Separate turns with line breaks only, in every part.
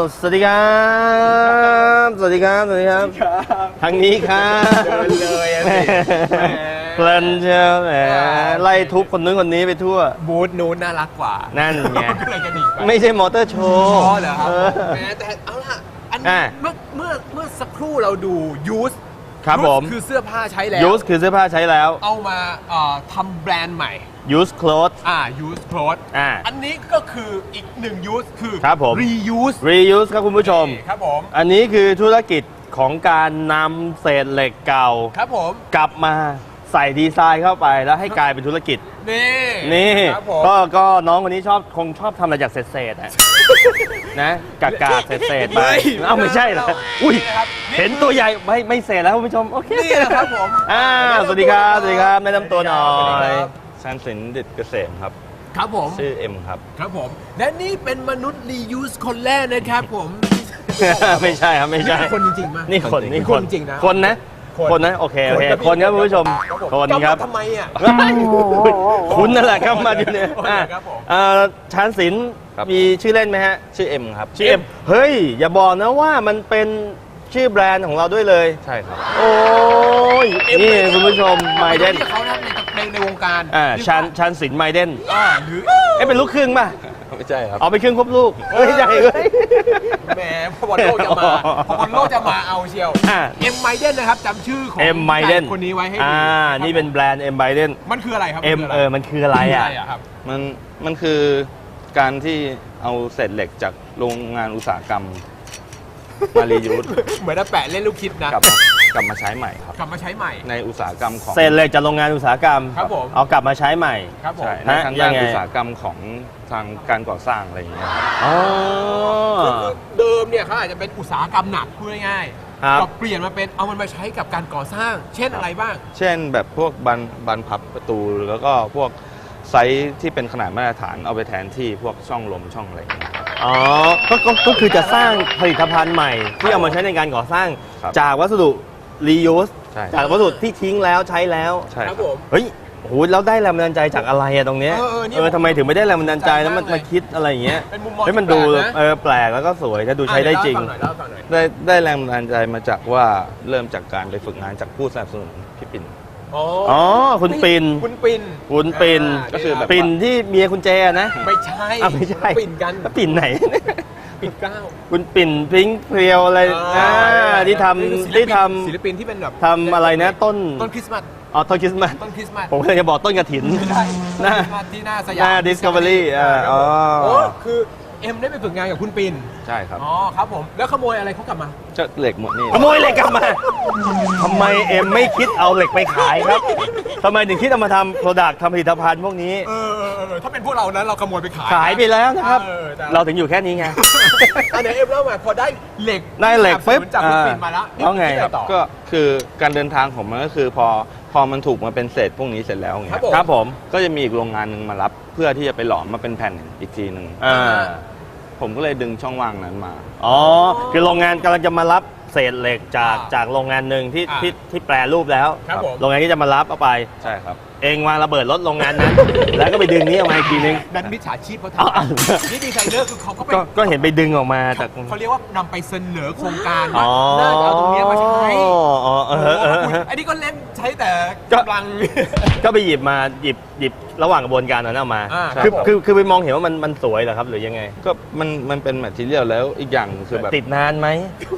สวัสดีครับสวัสดีครับสวัสดีครับทางนี้ครับเดินเลยเพลินเชียวแหมไล่ทุบคนนู้นคนนี้ไปทั่ว
บูธนู้นน่ารักกว่า
นั่นไง
ก็เลยจะหนีไป
ไม่ใช่มอเตอร์โชว์
เหรอครับแหมแต่เอาล่ะอันนี้เมื่อสักครู่เราดูยูส
ครับผม
คือเสื้อผ้าใช้แล้ว
ยูสคือเสื้อผ้าใช้แล้ว
เอามาทำแบรนด์ใหม่
use clothes
use clothes อันนี้ก็คืออีกหนึ่ง use คือ
ครับผม reuse ครับคุณผู้ชม
ครับผม
อันนี้คือธุรกิจของการนำเศษเหล็กเก่า
ครับผม
กลับมาใส่ดีไซน์เข้าไปแล้วให้กลายเป็นธุรกิจนี่ก็น้องคนนี้คงชอบทำอะไรจากเศษนะกากเศษไปไม่ใช่เหรออุ้ยเห็นตัวใหญ่ไม่เศษแล้วคุณผู้ชมโอเค
นี่ครับผม
สวัสดีครับสวัสดีครับแนะนำตัวหน่อย
ชันศิลป์ดิษฐ์เกษมครับ
ครับผม
ชื่อเอ็มครับ
ครับผมและนี่เป็นมนุษย์ reuse คนแรกนะครับผม
ไม่ใช่ครับไม่ใช่
คนจริงๆมั้ย
นี่คน
จริงนะ
คนนะโอเคคนครับคุณผู้ชมคนครับ
ทำไมอ่ะ
คุณนั่นแหละครับมาอยู่เนี่ยชันศิลป์มีชื่อเล่นไหมฮะ
ชื่อเอ็มครับ
ชื่อเอ็มเฮ้ยอย่าบอกนะว่ามันเป็นชื่อแบรนด์ของเราด้วยเลย
ใช่ครับ
โอ้ยนี่คุณผู้ชมไมเดน
เขาในวงการ
ชันศิลป์ไมเดน
หรือ
เป็นลูกครึ่งป่ะ
ไม่ใช่ครับ
เอาไปครึ่งครบลูกไม่ใช่เลย
แหมพอบอลโลกจะมาเอาเชียวเอ็มไมเดนนะครับจำชื่อของคนนี้ไว้ให้ดี
นี่เป็นแบรนด์เอ็มไมเดน
มันคืออะไรครับ
มันคืออะไร
ครับ
มันคือการที่เอาเศษเหล็กจากโรงงานอุตสาหกรรมมารียูส
เหมือนแปะเล่นลูกคิดนะ
กลับมาใช้ใหม่ครับ
กลับมาใช้ใหม่
ในอุตสาหกรรมของ
เศษเหล็กจากโรงงานอุตสาหกรรม
ครับผม
เอากลับมาใช้ใหม่
ครับผม
ในทางด้านอุตสาหกรรมของทางการก่อสร้างอะไรอย่างเงี้ย
เดิมเนี่ยเขาอาจจะเป็นอุตสาหกรรมหนักพูดง่ายๆก็เปลี่ยนมาเป็นเอามันมาใช้กับการก่อสร้างเช่นอะไรบ้าง
เช่นแบบพวกบานพับประตูแล้วก็พวกไซส์ที่เป็นขนาดมาตรฐานเอาไปแทนที่พวกช่องลมช่องอะไรอย่างเงี้ย
ก็คือจะสร้างผลิตภัณฑ์ใหม่ที่เอามาใช้ในการก่อสร้างจากวัสดุ reuse จากวัสดุที่ทิ้งแล้วใช้แล้ว
ใช่ครับ
ผม
เฮ้ยโหแล้วได้แรงบันดาลใจจากอะไรตรงเนี้ยทำไมถึงไม่ได้แรงบันดาลใจแล้วมันมาคิดอะไรอย่างเงี้ยให้มันดูแปลกแล้วก็สวยถ้าดูใช้ได้จริง
ได้แรงบันดาลใจมาจากว่าเริ่มจากการไปฝึกงานจากผู้สนับสนุนพี่ปิ่น
คุณปิ่น
ก็คือแบบ
ปิ่นที่เมียคุณแจนะ
ไม่ใช่
ปิ่นกันปิ่นไหน
ปิ่นเก้า
คุณปิ่นพริ้งเพรียวอะไรที่ทำ
ศิลปินที่เป็นแบบ
ทำอะไรนะต้น
คริสต์มาส
ต้นคริสต์มาสผมเลยจะบอกต้นกระถิน
ที่หน้าสยาม
Discovery
คือเอ็มได้ไปฝึกงานกับคุณปิ่น
ใช่ครับ
ครับผมแล้วขโมยอะไรเขากลับมา
จะเหล็กหมดนี่
ขโมยเหล็กกลับมาทำไมเอ็มไม่คิดเอาเหล็กไปขายครับทำไมถึงคิดเอามาทำโปรดักต์ทำผลิตภัณฑ์พวกนี้
ถ้าเป็นพวกเรานั้นเราขโมยไป
ขายไปแล้วนะครับเราถึงอยู่แค่นี้ไง
อันไหนเอ็มเล่ามาพอได้เหล็ก
ปุ๊บ
จากคุณปิ่นมาแล้ว
แล้วไง
ก็คือการเดินทางของมันก็คือพอมันถูกมาเป็นเศษพวกนี้เสร็จแล้วอย่างเงี้ย
ครับผม
ก็จะมีอีกโรงงานหนึ่งมารับเพื่อที่จะไปหลอมมาเป็นแผ่นอีกทีหนึ่งผมก็เลยดึงช่องว่างนั้นมา
คือโรงงานกำลังจะมารับเศษเหล็กจากโรงงานหนึ่งที่แปรรูปแล้วโรงงานที่จะมารับเอาไป
ใช่ครับ
เองวางระเบิดรถโรงงานนั้น แล้วก็ไปดึงนี้ออกมาอีกทีนึง
นั่นมิจฉาชีพเขาทำนี่ดีไซเนอร์คือเขา
ก็เห็นไปดึงออกมาจาก
เขาเรียกว่านำไปเสนอโครงการว่าน่าจะเอาตรงนี้มาใช้อันนี้ก็เล่นใช้แต่กำลัง
ก็ไปหยิบระหว่างกระบวนการนั้นออกมาคือไปมองเห็นว่ามันสวยเหรอครับหรือยังไง
ก็มันเป็นแมททีเรียลแล้วอีกอย่างคือแบบ
ติดนานไหม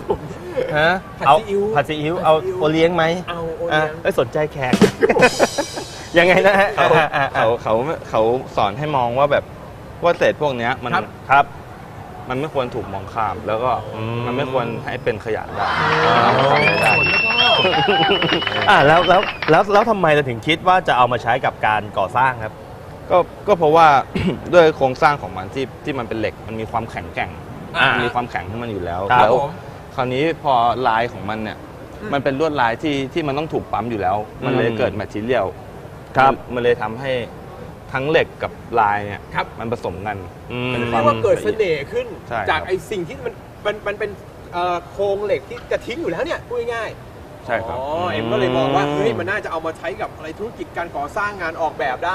ผัดซีอิ๊วเอาโอเลี้ยงไหมสนใจแขกยังไงนะฮะ
เขาสอนให้มองว่าแบบว่าเศษพวกนี้มัน
ครับ
มันไม่ควรถูกมองข้ามแล้วก็มันไม่ควรให้เป็นขยะได้
แล้วทำไมเราถึงคิดว่าจะเอามาใช้กับการก่อสร้างครับ
ก็เพราะว่าด้วยโครงสร้างของมันที่มันเป็นเหล็กมันมีความแข็งแกร่งมีความแข็งของมันอยู่แล้วคราวนี้พอลายของมันเนี่ยมันเป็นลวดลายที่มันต้องถูกปั๊มอยู่แล้วมันเลยเกิดแมททีเรียลมันเลยทำให้ทั้งเหล็กกับลายเนี่ยมันผสมกัน
มันเรียกว่าเกิดเสน่ห์ขึ้นจากไอ้สิ่งที่มันเป็นโครงเหล็กที่จะทิ้งอยู่แล้วเนี่ยพูดง่าย
ใช่ครับ
เอ็มก็เลยมองว่าเฮ้ยมันน่าจะเอามาใช้กับอะไรธุรกิจการก่อสร้างงานออกแบบได้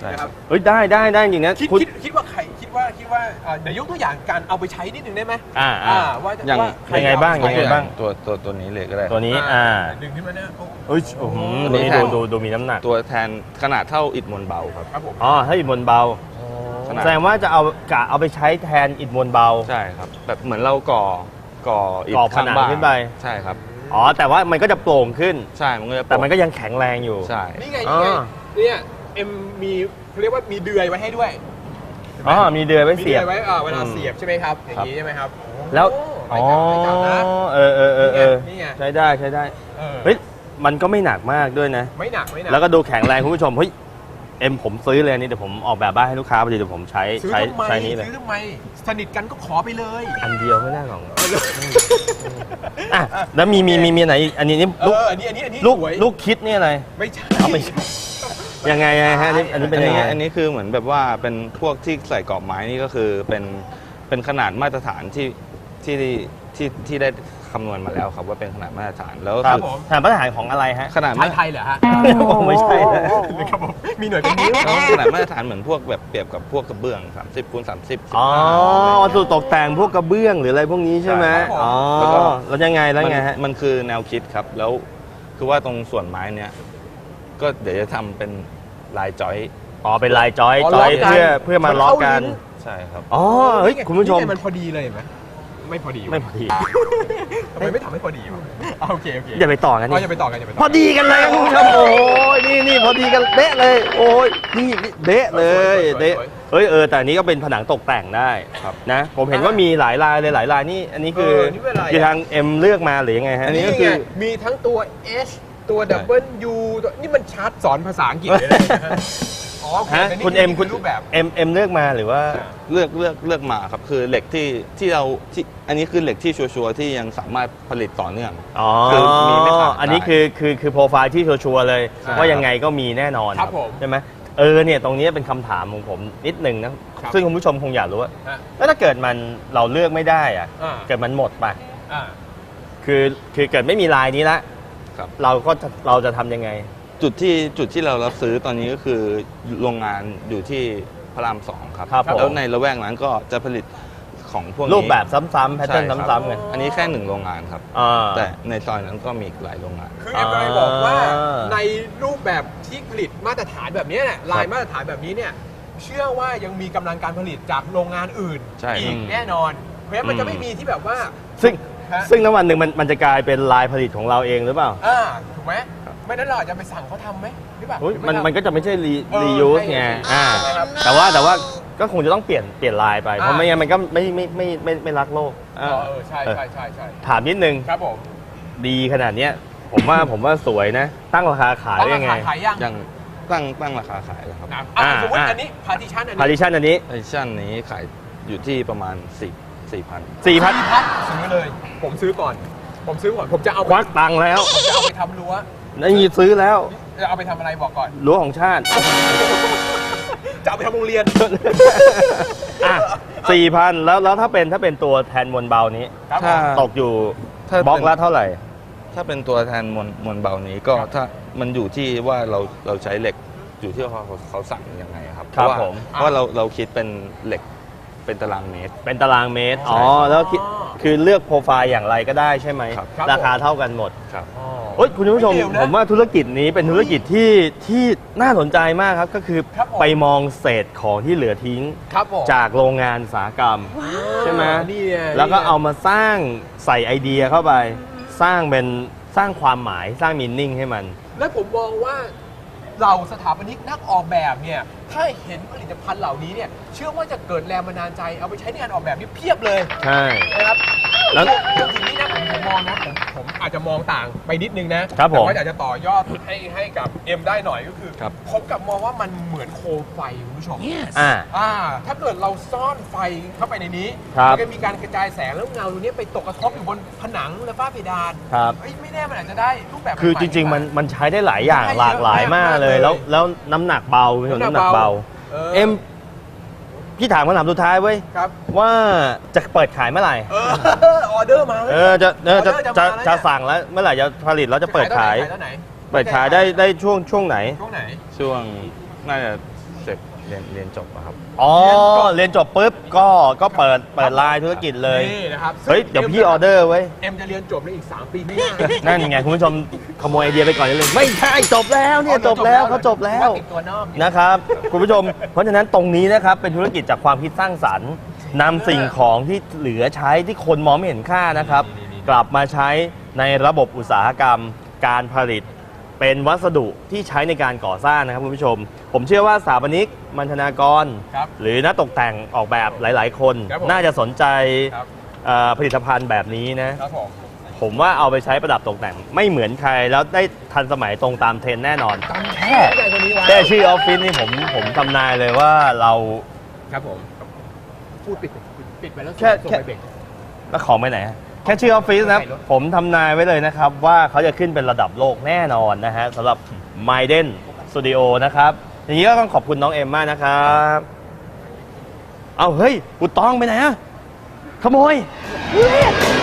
นะครับ
เฮ้ยได้จริงนะ
คิดว่าใครคิดว่าเดี๋ยวยกตัวอย่างการเอาไปใช้นิดนึงได้ไหม ว่า
อย่าง
ใคร
ยังไงบ้าง
เอป
ยังไง
ใช้
บ้าง
ตัวนี้เลยก็ได้
ตัวนี้
ดึงขึ้นมาเนี่ยโอ้
เอ้ยโอ้โห
ตัว
ตัว
นี้
นี้
แทน
ดูมีน้ำหนัก
ตัวแทนขนาดเท่าอิฐมวลเบาครับ
ครับผม
อ๋อถ้าอิฐมวลเบา
ขนาด
แสดงว่าจะเอาไปใช้แทนอิฐมวลเบา
ใช่ครับแบบเหมือนเราก่ออิฐ
ก่อผ
ข้าง
นัง
บ้าน
ขึ้นไป
ใช่ครับ
อ๋อแต่ว่ามันก็จะโปร่งขึ้น
ใช่มันก็จะ
แต่มันก็ยังแข็งแรงอยู่
ใช่
นี่ไง
อ๋อ
เนี่ยเอ็มมีเขาเรียกว่ามีเดือยไว้ให้ด้วย
อ๋อมีเดือยไว้
มี
เสี
เดื
ย
อบ ยไว้เวลาเสียบใช่ไหมครับอย่างนี้ใช่ไหมครับ
แล้ว
อ๋
อ๋
อ
อ
ไม่จับนะ
เออ
นี่ไง
ใช้ได้เฮ้ยมันก็ไม่หนักมากด้วยนะ
ไม่หนัก
แล้วก็ดูแข็งแรงคุณผู้ชมเฮ้ยเอ็มผมซื้อเลยอันนี้เดี๋ยวผมออกแบบบ้านให้ลูกค้าพอดีเดี๋ยวผมใช้
ซื้อ
ใช้
ทำไม
ใช้นี้เลย
ซื้อทำไมสนิทกันก็ขอไปเลย
อันเดียวไม่น่าหรอกอ่ะแล้วมีไหนอีกอันนี้นี่ลูก
อันนี้
ลูก
สวย
ลูกคิดนี่อะไร
ไม่ใช่
เอาไม่ใช่ยังไงฮะอันนี้เป็นยังไง
อันนี้คือเหมือนแบบว่าเป็นพวกที่ใส่กรอบไม้นี่ก็คือเป็นขนาดมาตรฐานที่ได้คำนวณมาแล้วครับว่าเป็นขนาดมาตรฐานแล้วก็
ครับ
คือ
ฐานมาตรฐานของอะไรฮะ
ขนาด
ชา
มาต
ย
ร
ไทยเหรอฮะ
ไม่ใช่นะครับ
ผมมีหน่วยเป็นนิ้ว
ขนาดมาตรฐานเหมือนพวกแบบเปรียบกับพวกกระเบื้อง30 คูณ 30
อ๋อวัสดุตกแต่งพวกกระเบื้องหรืออะไรพวกนี้ใช่ไหม
ใช่ครับผม
อ๋อ
แล้วก็
แล้วยังไงฮะ
มันคือแนวคิดครับ แล้วคือว่าตรงส่วนไม้เนี้ยก็เดี๋ยวจะทำเป็นลายจอย
อ๋อเป็นลายจอย
อ๋อ
จ
ล็
อ
อย กกัน
เพื่อมาล็อกกัน
มันเข้าลิ้น
ใช่ครับ
อ๋อเฮ้ยคุณผู้ชม
นี่ไงมันพอดีเลยเห็นไหมไม่พอดีวะ
ไม่พอดี
ทำไมไม่ทำให้พอดีวะโอเค
อย่าไปต่อกัน
อ๋อ
นี่
อย่าไปต่อกันอย่าไปต่อ
พอดีกันเลยครับคุณผู้ชมโอ้ยนี่พอดีกันเดะเลย โอ้ยนี่เดะเลยเดะเฮ้ยแต่อันนี้ก็เป็นผนังตกแต่งได้
ครับ
นะผมเห็นว่ามีหลายลายเลยหลายลายนี่อันนี้คือคือทางเอ็มเลือกมาหรือยังไงฮะ
อันนี้
นี่
ก็คื
ไง
อ
มีทั้งตัว H ตัว W ตัวนี่มันชาร์ตสอนภาษาอังกฤษเลยนะฮะอ๋อโอเค
ฮะ
แต่นี่
คุณเอ็ม
คือรูปแบบ
เอ็มเลือกมาหรือว่า
เลือกมาครับคือเหล็กที่เราที่อันนี้คือเหล็กที่ชัวร์ๆที่ยังสามารถผลิตต่อเนื่อง
อ๋อ
คือมีไม่ขาด
อันนี้
ได้
คือโปรไฟล์ที่ชัวร์ๆเลย
ใช่
ว่ายังไงก็มีแน่นอน
ครับผม
ใช่ไหมเนี่ยตรงนี้เป็นคำถามของผมนิดนึงนะครับ ซึ่งคุณผู้ชมคงอยากรู้ว่า
ฮะ
แล้วถ้าเกิดมันเราเลือกไม่ได้อะ
อ่า
เกิดมันหมดไป
อ่า
คือเกิดไม่มีลายนี้ละ
ครับ
เราจะทำยังไง
จุดที่เรารับซื้อตอนนี้ก็คือโรงงานอยู่ที่พระราม 2 ครับ
ครับผม
แล้วในละแวกนั้นก็จะผลิตของพวกนี้
รูปแบบซ้ำๆแพทเทิร์น
ใช่ครับ
ซ้ำๆกัน
อันนี้แค่1โรงงานครับ
อ่า
แต่ในซอยนั้นก็มีอีกหลายโรงงาน
คือเอ็มกำลังบอกว่า
อ่า
ในรูปแบบที่ผลิตมาตรฐานแบบนี้เนี่ยลายมาตรฐานแบบนี้เนี่ยเชื่อว่ายังมีกำลังการผลิตจากโรงงานอื่น
ใช่
อีกแน่นอน เพราะฉะนั้นมันจะไม่มีที่แบบว่า ฮะ
ซึ่งณวันหนึ่งมันจะกลายเป็นลายผลิตของเราเองหรือเปล่า
ถูกไหมไม่นั้นเราอาจจะไปสั่งเขาทำไหมหรือเปล่า
อุ๊ย
หรือ
มัน
ไทำ
มันก็จะไม่ใช่
เออ
reuse
ใช่
ไง
ใช่ใช่ครับ
แต่ว่าก็คงจะต้องเปลี่ยนลายไป เพราะไม่งั้นมันก็ไม่รักโลก
ใช่
เออ
ใช่
ถามนิดนึง
ครับผม
ดีขนาดเนี้ยผมว่าสวยนะ ตั้งราคาขาย
ต้อง
ได้
รา
ไง
คาขายยัง
ยังตั้งราคาขายแล้วครับ
นะ
อ่า
สมมติ
อ่า
อันนี้พาร์ติชันอัน
พา
นี้
ริชันอันนี้
ไอชั่นนี้ขายอยู่ที่ประมาณ4,000
4,000
พัดซื้อเลย ผมซื้อก่อน ผมจะเอา
ควักตังค์แล้ว
ผมจะเอาไปทำรั้ว
นี่ซื้อแล้ว
จะเอาไปทำอะไรบอกก่อน
รั้วของชาติ
จะเอาไปทำโรงเรียน
อ่ะ4,000แล้วถ้าเป็นตัวแทนมวลเบานี้
ครับผ
ถ้า
ม
ตกอยู่
ถ้า
บล็อก
เป็น
ละเท่าไหร่
ถ้าเป็นตัวแทนมวลเบานี้ก็ถ้ามันอยู่ที่ว่าเราใช้เหล็กอยู่ที่เขาสั่งยังไงครับ
ครับ
เพาะว่า
ผม
เพราะว่าเราคิดเป็นเหล็กเป็นตารางเมตร
เป็นตารางเมตร
ใช่
แล้วคือเลือกโปรไฟล์อย่างไรก็ได้ใช่ไหม
ครับ
ราคาเท่ากันหมด
ครับ
โอ้ยคุณผู้ชม
ไม่เลวนะ
ผมว่าธุรกิจนี้เป็นธุรกิจที่น่าสนใจมากครับ ก็คือ
ครับผม
ไปมองเศษของที่เหลือทิ้ง
ครับผม
จากโรงงานอุตสาหกรรม ใช่ไหม
นี่ไง
แล้วก็
นี่ไง
เอามาสร้างใส่ไอเดียเข้าไป สร้างความหมายสร้างมีนิ่งให้มัน
และผมมองว่าเราสถาปนิกนักออกแบบเนี่ยถ้าเห็นผลิตภัณฑ์เหล่านี้เนี่ยเชื่อว่าจะเกิดแรงบันดาลใจเอาไปใช้ในการออกแบบนี่เพียบเลย
ใช่
นะครับ
แล้ว
จริงๆนี่นะผมมองนะผมอาจจะมองต่างไปนิดนึงนะครับ
ผม
แต่ว่าอยากจะต่อยอดให้กับเอ็มได้หน่อยก็คือ
ครับ
ผมกลับมองว่ามันเหมือนโคมไฟคุณผู้ชม ถ้าเกิดเราซ่อนไฟเข้าไปในนี้
ครับ
มันก็มีการกระจายแสงแล้วเงาตรงนี้ไปตกกระทบอยู่บนผนังและฝ้าเพดาน
ครับ
เอ้ยไม่แน่มันอาจจะได้รูปแบบ
คือ
ใหม่
จ
ๆ
ริง ๆ มันใช้ได้หลายอย่าง
ได้เยอะ
หลากหลายมากเลย
มากเลย
แล้วน้ำหนักเบาคุณผู้ชมน้ำหนักเบา
เอ็ม
พี่ถามคำถามสุดท้ายเว้ย
ครับ
ว่าจะเปิดขายเมื่อไหร่
ออเดอร์มาแล้ว
จะ
ออเดอร์จะมาแล้วเนี่ย
จะสั่งแล้วเมื่อไหร่จะผลิตแล้วจะเปิดขาย
ตอนไหน
เปิดขายได้ช่วงไหน
ช่วงไหน
ช่วงน่าจะเสร็จเรียนจบอะครับ
อ๋อเรียนจบปุ๊บก็เปิดไลน์ธุรกิจเลย
นี่นะครับ
เฮ้ยเดี๋ยวพี่ออเดอร์ไว้
เอ็มจะเรียนจบในอีก 3 ปีข้างหน้า
นั่นไงคุณผู้ชมขโมยไอเดียไปก่อนเลยไม่ใช่จบแล้วเนี่ยจบแล้วเขาจบแล้ว
ติดตัวนอก
นะครับคุณผู้ชมเพราะฉะนั้นตรงนี้นะครับเป็นธุรกิจจากความคิดสร้างสรรค์นำสิ่งของที่เหลือใช้ที่คนมองไม่เห็นค่านะครับ กลับมาใช้ในระบบอุตสาหกรรม การผลิต เป็นวัสดุที่ใช้ในการก่อสร้างนะครับคุณผู้ชม ผมเชื่อว่าสถาปนิกมัณฑนากร
ครับ
หรือนักตกแต่งออกแบบหลาย ๆ คน
ครับผม
น่าจะสนใจ
ครับ
ผลิตภัณฑ์แบบนี้นะ
ครับผม
ผมว่าเอาไปใช้ประดับตกแต่งไม่เหมือนใครแล้วได้ทันสมัยตรงตามเทรนด์แน่นอน
แค่ใจคนนี้ไว้
แค่ชื่อออฟฟิศนี่ผมทำนายเลยว่าเรา
ครับผมพูดปิดไปแล้ว
แค่
ส่งไปเบรก
แล้วของไปไหนฮะแค่ชื่อออฟฟิศนะครับ ผมทำนายไว้เลยนะครับ ว่าเขาจะขึ้นเป็นระดับโลกแน่นอนนะฮะสำหรับ Maiden Studio นะครับ อย่างนี้ก็ต้องขอบคุณน้องเอ็มมากนะครับ เอาเฮ้ยกูต้องไปไหนอะขโมย